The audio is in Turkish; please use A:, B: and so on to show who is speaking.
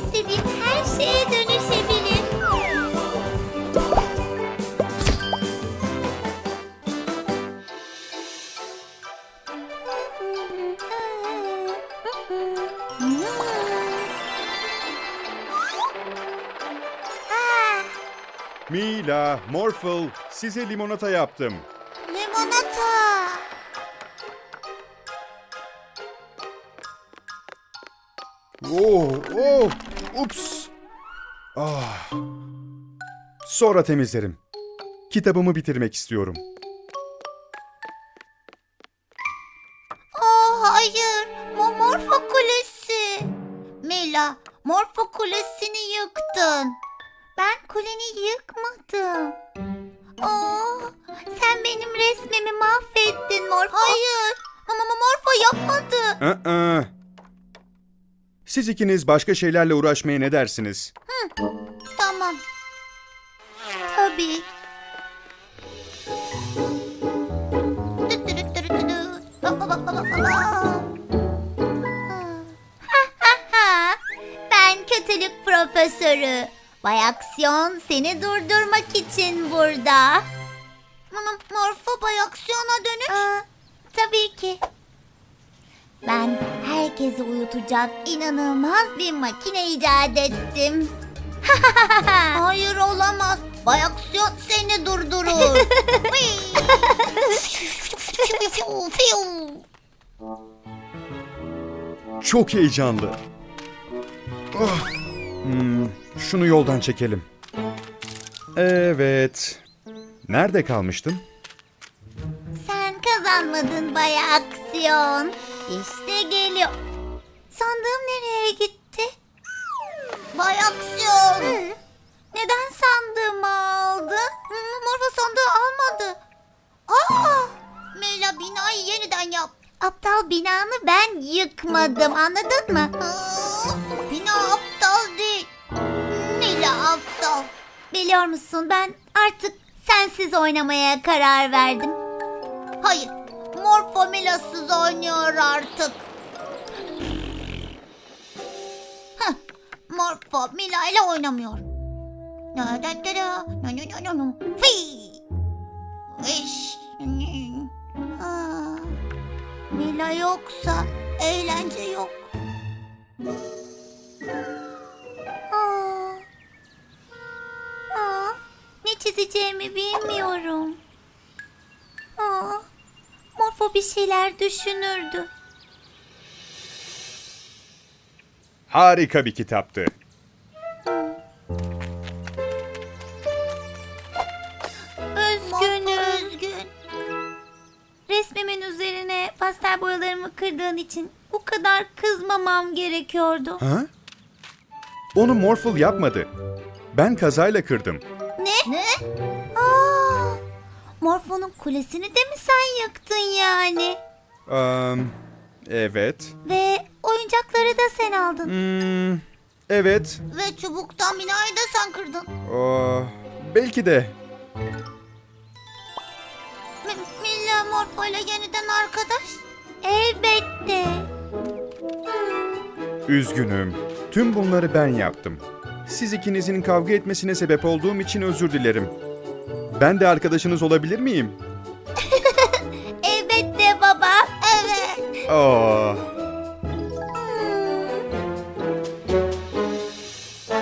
A: istediğim her şeye dönüşebilir.
B: Mila, Morphle, size limonata yaptım.
A: Limonata.
B: Ups. Sonra temizlerim. Kitabımı bitirmek istiyorum.
A: Hayır, Morfo Kulesi. Mila, Morfo Kulesi'ni yıktın. Ben kuleni yıkmadım. Sen benim resmimi mahvettin Morfo. Hayır, ama Morfo yapmadı.
B: Siz ikiniz başka şeylerle uğraşmaya ne dersiniz?
A: Tamam. Tabii. Ben kötülük profesörü. Bay Aksiyon seni durdurmak için burada. Morfo Bay Aksiyon'a dönüş. Tabii ki. Ben herkesi uyutacak inanılmaz bir makine icat ettim. Hayır olamaz. Bay Aksiyon seni durdurur.
B: Çok heyecanlı. Şunu yoldan çekelim. Evet. Nerede kalmıştım?
A: Sen kazanmadın Bay Aksiyon. İşte geliyor. Sandığım nereye gitti? Bay Aksiyon. Neden sandığımı aldın? Morfo sandığı almadı. Mela binayı yeniden yap. Aptal binanı ben yıkmadım, anladın mı? Bina aptal değil. Mela aptal. Biliyor musun, ben artık sensiz oynamaya karar verdim. Hayır, Morfo Mila'sız oynuyor artık. Morfo Mila ile oynamıyor. Mila yoksa eğlence yok. Ne çizeceğimi bilmiyorum. Morfo bir şeyler düşünürdü.
B: Harika bir kitaptı.
A: Üzgün. Resmimin üzerine pastel boyalarımı kırdığın için bu kadar kızmamam gerekiyordu.
B: Ha? Onu Morphle yapmadı. Ben kazayla kırdım.
A: Ne? Morfo'nun kulesini de mi sen yıktın yani?
B: Evet.
A: Ve oyuncakları da sen aldın.
B: Evet.
A: Ve çubuktan binayı da sen kırdın.
B: Belki de.
A: Milla Morfo ile yeniden arkadaş? Elbette.
B: Üzgünüm. Tüm bunları ben yaptım. Siz ikinizin kavga etmesine sebep olduğum için özür dilerim. Ben de arkadaşınız olabilir miyim?
A: Elbette baba. Evet.